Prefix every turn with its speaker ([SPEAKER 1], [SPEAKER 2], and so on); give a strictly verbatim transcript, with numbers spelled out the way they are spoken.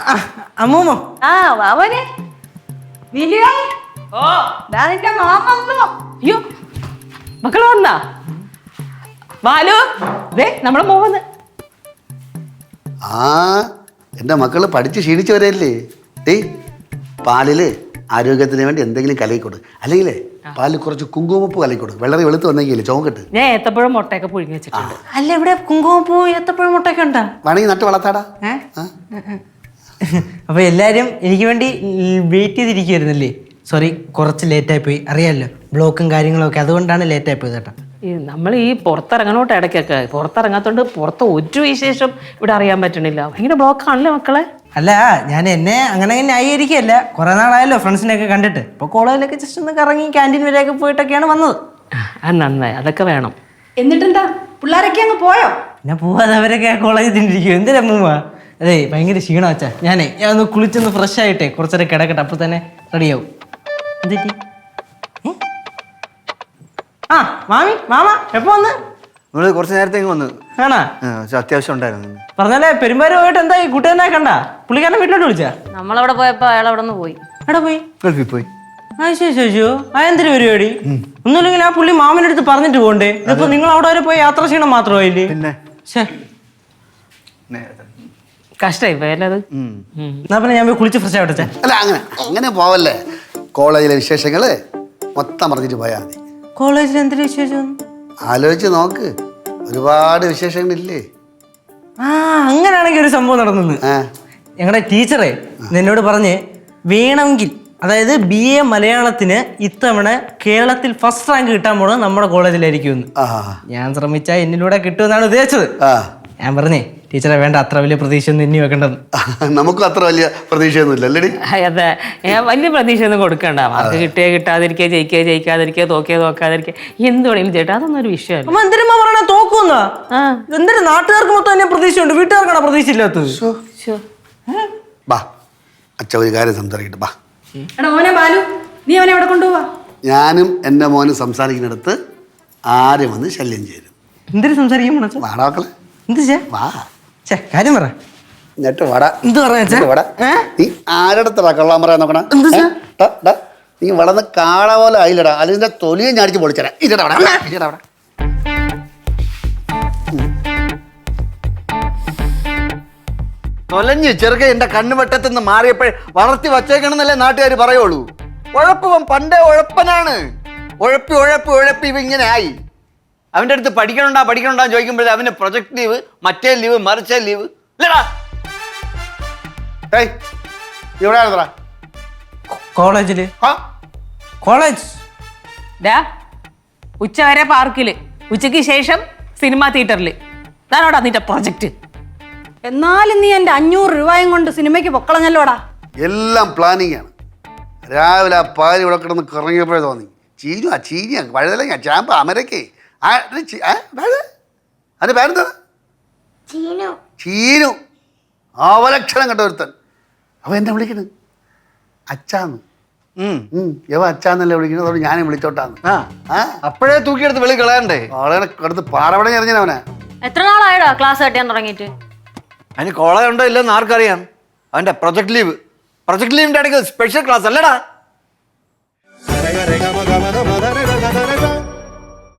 [SPEAKER 1] അമ്മൂമ്മോ
[SPEAKER 2] ആ അവനെ അയ്യോ മക്കള് വന്നാ ബാലു ദേ നമ്മളെ മോന്ന്.
[SPEAKER 3] ആ എൻ്റെ മക്കള് പഠിച്ച് ക്ഷീണിച്ച് വരല്ലേ. ടീ പാലില് ആരോഗ്യത്തിന് വേണ്ടി എന്തെങ്കിലും കലയിക്കൊടു, അല്ലെങ്കിൽ പാലിൽ കുറച്ച് കുങ്കുമപ്പൂ കലയിക്കൊടു. വെള്ളറി വെളുത്ത് വന്നെങ്കിൽ ചോങ്കട്ട്.
[SPEAKER 2] ഞാൻ ഏത്തപ്പഴം മുട്ടയൊക്കെ പുഴുങ്ങി വെച്ചിട്ടുണ്ട്.
[SPEAKER 1] അല്ല ഇവിടെ കുങ്കുമപ്പൂ ഏത്തപ്പഴം മുട്ടയൊക്കെ ഉണ്ടാ?
[SPEAKER 3] വേണമെങ്കിൽ നട്ട് വളർത്താടാ.
[SPEAKER 1] അപ്പൊ എല്ലാരും എനിക്ക് വേണ്ടി വെയിറ്റ് ചെയ്തിരിക്കുവായിരുന്നല്ലേ? സോറി, കുറച്ച് ലേറ്റായി പോയി. അറിയാമല്ലോ ബ്ലോക്കും കാര്യങ്ങളും ഒക്കെ, അതുകൊണ്ടാണ് ലേറ്റായി പോയത് കേട്ടോ.
[SPEAKER 2] നമ്മൾ ഈ പുറത്തിറങ്ങണോട്ട് ഇടയ്ക്കൊക്കെ പുറത്തിറങ്ങാത്തോണ്ട് പുറത്ത് ഒരു വിശേഷം ഇവിടെ അറിയാൻ പറ്റണില്ല. ഭയങ്കര ബ്ലോക്കാണല്ലേ മക്കളെ?
[SPEAKER 1] അല്ല, ഞാൻ എന്നെ അങ്ങനെ അങ്ങനെ ന്യായീകരിക്കുകയല്ല. കുറെ നാളായല്ലോ ഫ്രണ്ട്സിനെയൊക്കെ കണ്ടിട്ട്. ഇപ്പോൾ കോളേജിലൊക്കെ ജസ്റ്റ് ഒന്ന് കറങ്ങി ക്യാൻറ്റീൻ വരെയൊക്കെ പോയിട്ടൊക്കെയാണ് വന്നത്.
[SPEAKER 2] ആ നന്നായി, അതൊക്കെ വേണം.
[SPEAKER 4] എന്നിട്ടെന്താ പിള്ളേരൊക്കെ അങ്ങ് പോയോ?
[SPEAKER 1] പിന്നെ പോവാതെ അവരൊക്കെ കോളേജിൽ തിന്നിരിക്കും. എന്തിനാ മൂവ? അതെ, ഭയങ്കര ക്ഷീണം വെച്ചാ. ഞാനേ ഞാൻ ഒന്ന് കുളിച്ചൊന്ന് ഫ്രഷ് ആയിട്ടേ കുറച്ചേരം കിടക്കട്ടെ, അപ്പോൾ തന്നെ റെഡിയാവും. എന്തിട്ടി? ആ മാമി മാമ എപ്പോ വന്ന്?
[SPEAKER 5] നമ്മള് കുറച്ച് നേരത്തേക്ക് വന്നു.
[SPEAKER 1] ആണാ?
[SPEAKER 5] അത്യാവശ്യം ഉണ്ടായിരുന്നു.
[SPEAKER 1] പറഞ്ഞാലേ പെരുമ്പാര് പോയിട്ട് എന്തായി? കൂട്ടുകാരനെ കണ്ട? പുള്ളിക്കാരനെ വീട്ടിലോട്ട് വിളിച്ചാ?
[SPEAKER 2] നമ്മളവിടെ പോയപ്പോ അയാൾ അവിടെ നിന്ന് പോയി.
[SPEAKER 1] എവിടെ പോയി?
[SPEAKER 5] ഗൾഫിൽ പോയി.
[SPEAKER 1] ആ ശേഷോ ആ എന്തൊരു പരിപാടി? ഒന്നുമില്ലെങ്കിൽ ആ പുള്ളി മാമൻ്റെ അടുത്ത് പറഞ്ഞിട്ട് പോകണ്ടേ? ഇതിപ്പോ നിങ്ങൾ അവിടെ വരെ പോയി യാത്ര ക്ഷീണം മാത്രമായില്ലേ?
[SPEAKER 5] പിന്നെ
[SPEAKER 2] കഷ്ടായി പോയല്ലത്.
[SPEAKER 1] എന്നാ പിന്നെ ഞാൻ പോയി കുളിച്ച് ഫ്രഷ് ആവട്ടെ.
[SPEAKER 3] അല്ല അങ്ങനെ അങ്ങനെ പോവല്ലേ. കോളേജിലെ വിശേഷങ്ങള് മൊത്തം പറഞ്ഞിട്ട് പോയാൽ മതി.
[SPEAKER 1] കോളേജിൽ എന്തൊരു വിശേഷം?
[SPEAKER 3] ആലോചിച്ച് നോക്ക്, ഒരുപാട് വിശേഷങ്ങളില്ലേ.
[SPEAKER 1] ആ അങ്ങനെയാണെങ്കിൽ ഒരു സംഭവം നടന്നു. ഞങ്ങളുടെ ടീച്ചറെ എന്നോട് പറഞ്ഞ് വേണമെങ്കിൽ, അതായത് ബി എ മലയാളത്തിന് ഇത്തവണ കേരളത്തിൽ ഫസ്റ്റ് റാങ്ക് കിട്ടാൻ പോണത് നമ്മുടെ കോളേജിലായിരിക്കുമെന്ന്. ഞാൻ ശ്രമിച്ചാൽ എന്നിലൂടെ കിട്ടുമെന്നാണ് ഉദ്ദേശിച്ചത്. ഞാൻ പറഞ്ഞേ ടീച്ചറെ വേണ്ട, അത്ര വലിയ പ്രതീക്ഷ ഒന്നും ഇനി വെക്കേണ്ടത്.
[SPEAKER 3] നമുക്കും അത്ര വലിയ പ്രതീക്ഷയൊന്നുമില്ല അല്ലേ?
[SPEAKER 2] അതെ, ഞാൻ വലിയ പ്രതീക്ഷ ഒന്നും കൊടുക്കണ്ട. മാർക്ക് കിട്ടിയ കിട്ടാതിരിക്കുക, ജയിക്കുക ജയിക്കാതിരിക്കുക, തോക്കിയ തോക്കാതിരിക്കുക, എന്ത് വേണമെങ്കിലും ചേട്ടാ, അതൊന്നും ഒരു വിഷയമല്ല.
[SPEAKER 1] അമ്മ എന്തിനാ പറയണ തോക്കുന്നാ? എന്തിനാ നാട്ടുകാർക്ക് മൊത്തം എന്നെ പ്രതീക്ഷയുണ്ട്, വീട്ടുകാർക്കാണ് പ്രതീക്ഷ ഇല്ലാത്തത്.
[SPEAKER 3] ബാ അച്ഛ ഒരു കാര്യം സംസാരിക്കട്ടെ. ബാ.
[SPEAKER 4] എടാ മോനെ ബാലു, നീ അവനെ എവിടെ കൊണ്ടുപോവാ?
[SPEAKER 3] ഞാനും എൻ്റെ മോനും സംസാരിക്കുന്നിടത്ത് ആരും വന്ന് ശല്യം ചെയ്തു.
[SPEAKER 1] എന്തിനു സംസാരിക്കാൻ?
[SPEAKER 3] വാടാ മക്കളെ.
[SPEAKER 1] എന്ത് വാ കാര്യം പറ.
[SPEAKER 3] എന്നിട്ട് വാടാ.
[SPEAKER 1] എന്ത് പറയാ?
[SPEAKER 3] നീ ആരടത്തടാ കള്ളാൻ പറയാൻ നോക്കണ? നീ വളർന്ന് കാള പോലെ ആയില്ലടാ, അതിന്റെ തൊലിയെ ഞാടിച്ച് പൊളിച്ചടാ. ഇല്ലടാ ഇല്ലടാ അവിടെ.
[SPEAKER 5] തൊലഞ്ഞ് ചെറുക്ക എന്റെ കണ്ണുവെട്ടത്തുനിന്ന് മാറിയപ്പോഴേ വളർത്തി വച്ചേക്കണമെന്നല്ലേ നാട്ടുകാർ പറയുള്ളൂ. ഉഴപ്പവൻ പണ്ടേ ഉഴപ്പനാണ്. ഉഴപ്പി ഉഴപ്പി ഉഴപ്പി ഇവ ഇങ്ങനെ ആയി. അവൻ്റെ അടുത്ത് പഠിക്കണുണ്ടാ പഠിക്കണുണ്ടാന്ന് ചോദിക്കുമ്പോഴേ അവന് പ്രൊജക്ട് ലീവ്, മറ്റേ ലീവ്, മറിച്ചേ ലീവ്. ഇല്ലടാ
[SPEAKER 3] ഇവിടെ
[SPEAKER 1] കോളേജില് കോളേജ്
[SPEAKER 2] ഉച്ച വരെ പാർക്കില്, ഉച്ചയ്ക്ക് ശേഷം സിനിമാ തിയേറ്ററിൽ. അതാണോടാ നിന്റെ പ്രൊജക്ട്?
[SPEAKER 4] എന്നാലും നീ എന്റെ അഞ്ഞൂറ് രൂപയും കൊണ്ട് സിനിമയ്ക്ക് പൊക്കളഞ്ഞല്ലോടാ.
[SPEAKER 3] എല്ലാം പ്ലാനിങ് ആണ്. രാവിലെ ആ പാല് ഇവിടെ കിടന്ന് കറങ്ങിയപ്പോഴേ തോന്നി ചീനു ആ ചീനിയ വഴുതലങ്ങ ചാമ്പ അമരക്കേ അതിന്റെ പേരെന്താ? ചീനു. അവലക്ഷണം കണ്ട ഒരുത്തൻ. അവ എന്നെ വിളിക്കണ് അച്ചാന്ന്. യവ അച്ചാന്നല്ലേ വിളിക്കുന്നത്, അതുകൊണ്ട് ഞാനും വിളിച്ചോട്ടാന്ന്.
[SPEAKER 5] അപ്പോഴേ തൂക്കിയെടുത്ത് വെളി കളയണ്ടേ?
[SPEAKER 3] അവളെ അടുത്ത് പാറവട എറിഞ്ഞവനെ.
[SPEAKER 6] എത്ര നാളായടാ ക്ലാസ് കട്ടിയാൻ തുടങ്ങിയിട്ട്?
[SPEAKER 5] അതിന് കോളേജ് ഉണ്ടോ ഇല്ലെന്ന് ആർക്കറിയാം. അവന്റെ പ്രൊജക്ട് ലീവ്, പ്രൊജക്ട് ലീവിന്റെ ഇടയ്ക്ക് സ്പെഷ്യൽ ക്ലാസ് അല്ലടാ.